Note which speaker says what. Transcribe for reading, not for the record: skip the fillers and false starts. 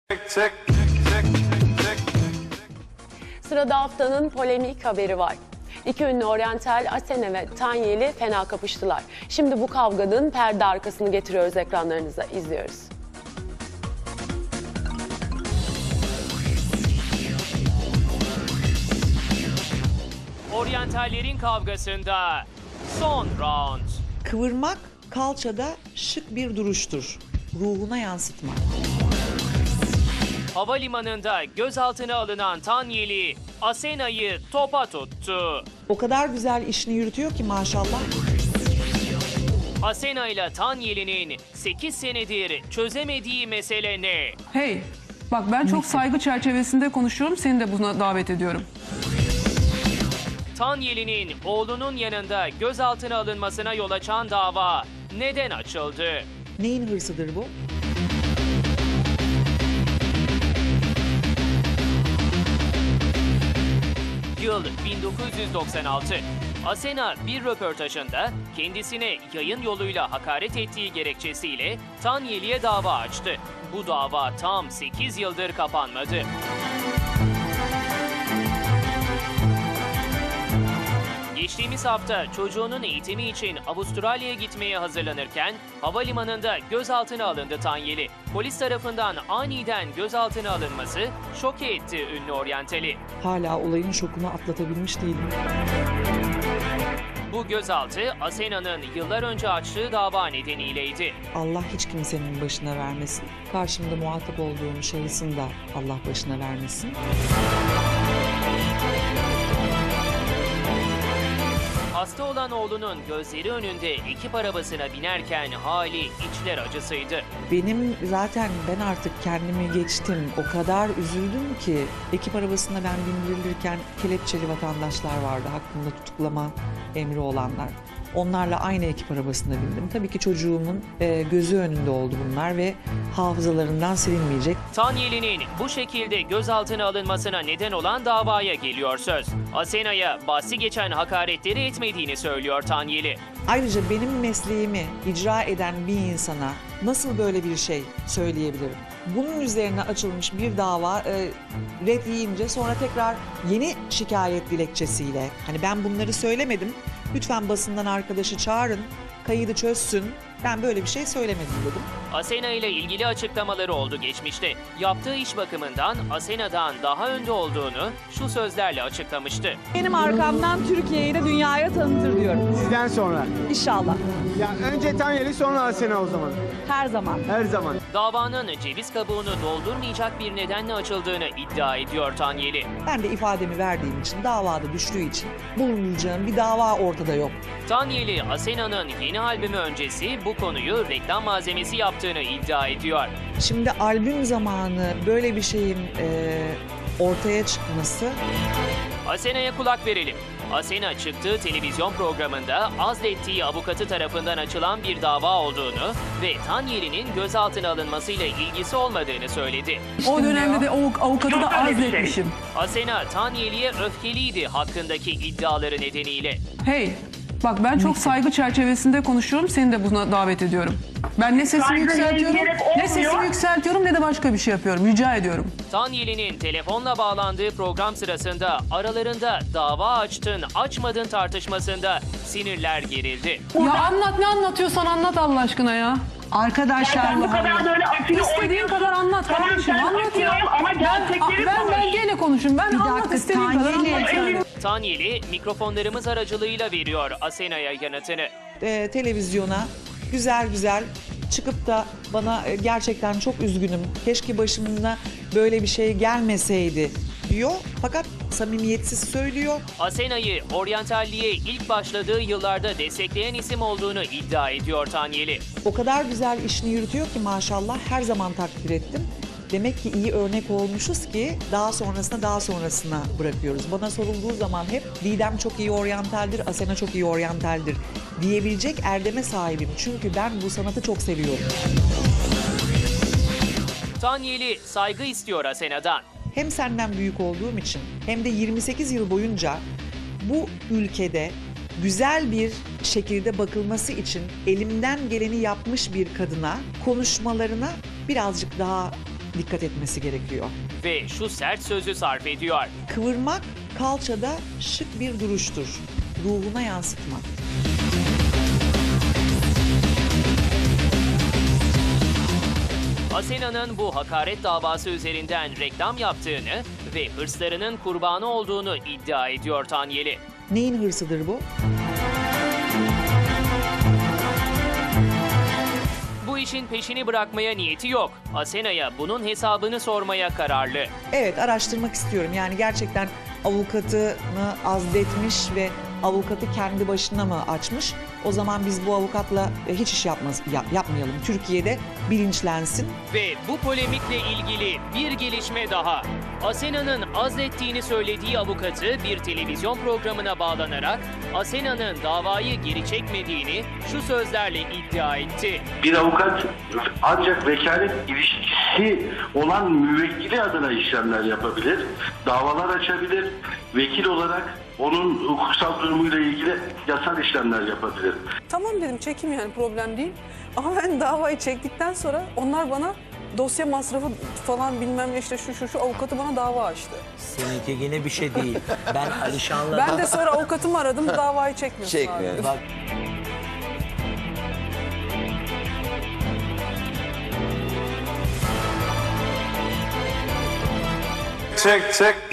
Speaker 1: Sırada haftanın polemik haberi var. İki ünlü oryantal Asena ve Tanyeli fena kapıştılar. Şimdi bu kavganın perde arkasını getiriyoruz ekranlarınıza, izliyoruz.
Speaker 2: Oryantallerin kavgasında son round.
Speaker 3: Kıvırmak kalçada şık bir duruştur. Ruhuna yansıtma.
Speaker 2: Havalimanında gözaltına alınan Tanyeli, Asena'yı topa tuttu.
Speaker 3: O kadar güzel işini yürütüyor ki maşallah.
Speaker 2: Asena ile Tanyeli'nin 8 senedir çözemediği mesele ne?
Speaker 4: Hey, bak ben çok saygı çerçevesinde konuşuyorum, seni de buna davet ediyorum.
Speaker 2: Tanyeli'nin oğlunun yanında gözaltına alınmasına yol açan dava neden açıldı?
Speaker 3: Neyin hırsıdır bu?
Speaker 2: Yıl 1996. Asena bir röportajında kendisine yayın yoluyla hakaret ettiği gerekçesiyle Tanyeli'ye dava açtı. Bu dava tam 8 yıldır kapanmadı. Geçtiğimiz hafta çocuğunun eğitimi için Avustralya'ya gitmeye hazırlanırken havalimanında gözaltına alındı Tanyeli. Polis tarafından aniden gözaltına alınması şoke etti ünlü oryantali.
Speaker 3: Hala olayın şokunu atlatabilmiş değilim.
Speaker 2: Bu gözaltı Asena'nın yıllar önce açtığı dava nedeniyleydi.
Speaker 3: Allah hiç kimsenin başına vermesin. Karşımda muhatap olduğum şahısın da Allah başına vermesin.
Speaker 2: Hasta olan oğlunun gözleri önünde ekip arabasına binerken hali içler acısıydı.
Speaker 3: Benim zaten ben artık kendimi geçtim. O kadar üzüldüm ki ekip arabasına ben bindirilirken kelepçeli vatandaşlar vardı. Hakkında tutuklama emri olanlar. Onlarla aynı ekip arabasına bindim. Tabii ki çocuğumun gözü önünde oldu bunlar ve hafızalarından silinmeyecek.
Speaker 2: Tanyeli'nin bu şekilde gözaltına alınmasına neden olan davaya geliyor söz. Asena'ya bahsi geçen hakaretleri etmediğini söylüyor Tanyeli.
Speaker 3: Ayrıca benim mesleğimi icra eden bir insana nasıl böyle bir şey söyleyebilirim? Bunun üzerine açılmış bir dava red yiyince sonra tekrar yeni şikayet dilekçesiyle, hani ben bunları söylemedim, lütfen basından arkadaşı çağırın, kaydı çözsün, ben böyle bir şey söylemedim dedim.
Speaker 2: Asena ile ilgili açıklamaları oldu geçmişte. Yaptığı iş bakımından Asena'dan daha önde olduğunu şu sözlerle açıklamıştı.
Speaker 5: Benim arkamdan Türkiye'yi de dünyaya tanıtır diyorum.
Speaker 6: Sizden sonra.
Speaker 5: İnşallah.
Speaker 6: Ya önce Tanyeli sonra Asena o zaman.
Speaker 5: Her zaman.
Speaker 6: Her zaman.
Speaker 2: Davanın ceviz kabuğunu doldurmayacak bir nedenle açıldığını iddia ediyor Tanyeli.
Speaker 3: Ben de ifademi verdiğim için, davada düştüğü için bulunacağım bir dava ortada yok.
Speaker 2: Tanyeli, Asena'nın yeni albümü öncesi bu konuyu reklam malzemesi yaptığını iddia ediyor.
Speaker 3: Şimdi albüm zamanı böyle bir şeyin ortaya çıkması...
Speaker 2: Asena'ya kulak verelim. Asena çıktığı televizyon programında azlettiği avukatı tarafından açılan bir dava olduğunu ve Tanyeli'nin gözaltına alınmasıyla ilgisi olmadığını söyledi.
Speaker 4: O dönemde de o avukatı da azletmişim.
Speaker 2: Asena, Tanyeli'ye öfkeliydi hakkındaki iddiaları nedeniyle.
Speaker 4: Hey, bak ben çok saygı çerçevesinde konuşuyorum, seni de buna davet ediyorum. Ben ne sesimi yükseltiyorum, ne de başka bir şey yapıyorum. Rica ediyorum.
Speaker 2: Tanyeli'nin telefonla bağlandığı program sırasında aralarında dava açtın, açmadın tartışmasında sinirler gerildi.
Speaker 4: Ya anlat, ne anlatıyorsan anlat Allah aşkına ya.
Speaker 7: Arkadaşlar bu kadar böyle aşırı
Speaker 4: İstediğin kadar anlat kardeşim, anlat ya.
Speaker 7: Ama gerçekleri
Speaker 4: Ben gene konuşayım. Ben anlat, istediğin kadar anlat yani.
Speaker 2: Tanyeli mikrofonlarımız aracılığıyla veriyor Asena'ya yanıtını.
Speaker 3: Televizyona güzel güzel çıkıp da bana gerçekten çok üzgünüm, keşke başımına böyle bir şey gelmeseydi diyor. Fakat samimiyetsiz söylüyor.
Speaker 2: Asena'yı oryantalliğe ilk başladığı yıllarda destekleyen isim olduğunu iddia ediyor Tanyeli.
Speaker 3: O kadar güzel işini yürütüyor ki maşallah, her zaman takdir ettim. Demek ki iyi örnek olmuşuz ki daha sonrasına bırakıyoruz. Bana sorulduğu zaman hep Didem çok iyi oryantaldir, Asena çok iyi oryantaldir diyebilecek erdeme sahibim. Çünkü ben bu sanatı çok seviyorum.
Speaker 2: Tanyeli saygı istiyor Asena'dan.
Speaker 3: Hem senden büyük olduğum için hem de 28 yıl boyunca bu ülkede güzel bir şekilde bakılması için elimden geleni yapmış bir kadına konuşmalarına birazcık daha dikkat etmesi gerekiyor.
Speaker 2: Ve şu sert sözü sarf ediyor.
Speaker 3: Kıvırmak kalçada şık bir duruştur. Ruhuna yansıtmak.
Speaker 2: Asena'nın bu hakaret davası üzerinden reklam yaptığını ve hırslarının kurbanı olduğunu iddia ediyor Tanyeli.
Speaker 3: Neyin hırsıdır bu?
Speaker 2: Bu işin peşini bırakmaya niyeti yok. Asena'ya bunun hesabını sormaya kararlı.
Speaker 3: Evet, araştırmak istiyorum. Yani gerçekten avukatını azletmiş ve avukatı kendi başına mı açmış? O zaman biz bu avukatla hiç iş yapmayalım. Türkiye'de bilinçlensin.
Speaker 2: Ve bu polemikle ilgili bir gelişme daha. Asena'nın azlettiğini söylediği avukatı bir televizyon programına bağlanarak Asena'nın davayı geri çekmediğini şu sözlerle iddia etti.
Speaker 8: Bir avukat ancak vekalet ilişkisi olan müvekkili adına işlemler yapabilir, davalar açabilir, vekil olarak onun hukuksal durumuyla ilgili yasal işlemler yapabilir.
Speaker 4: Tamam dedim, çekim yani, problem değil. Ama ben davayı çektikten sonra onlar bana dosya masrafı falan bilmem ne, işte şu avukatı bana dava açtı.
Speaker 9: Seninki yine bir şey değil. Ben Alişan'la...
Speaker 4: Ben de sonra avukatımı aradım, davayı çekmiyorsun abi.
Speaker 9: Bak,
Speaker 6: Çek.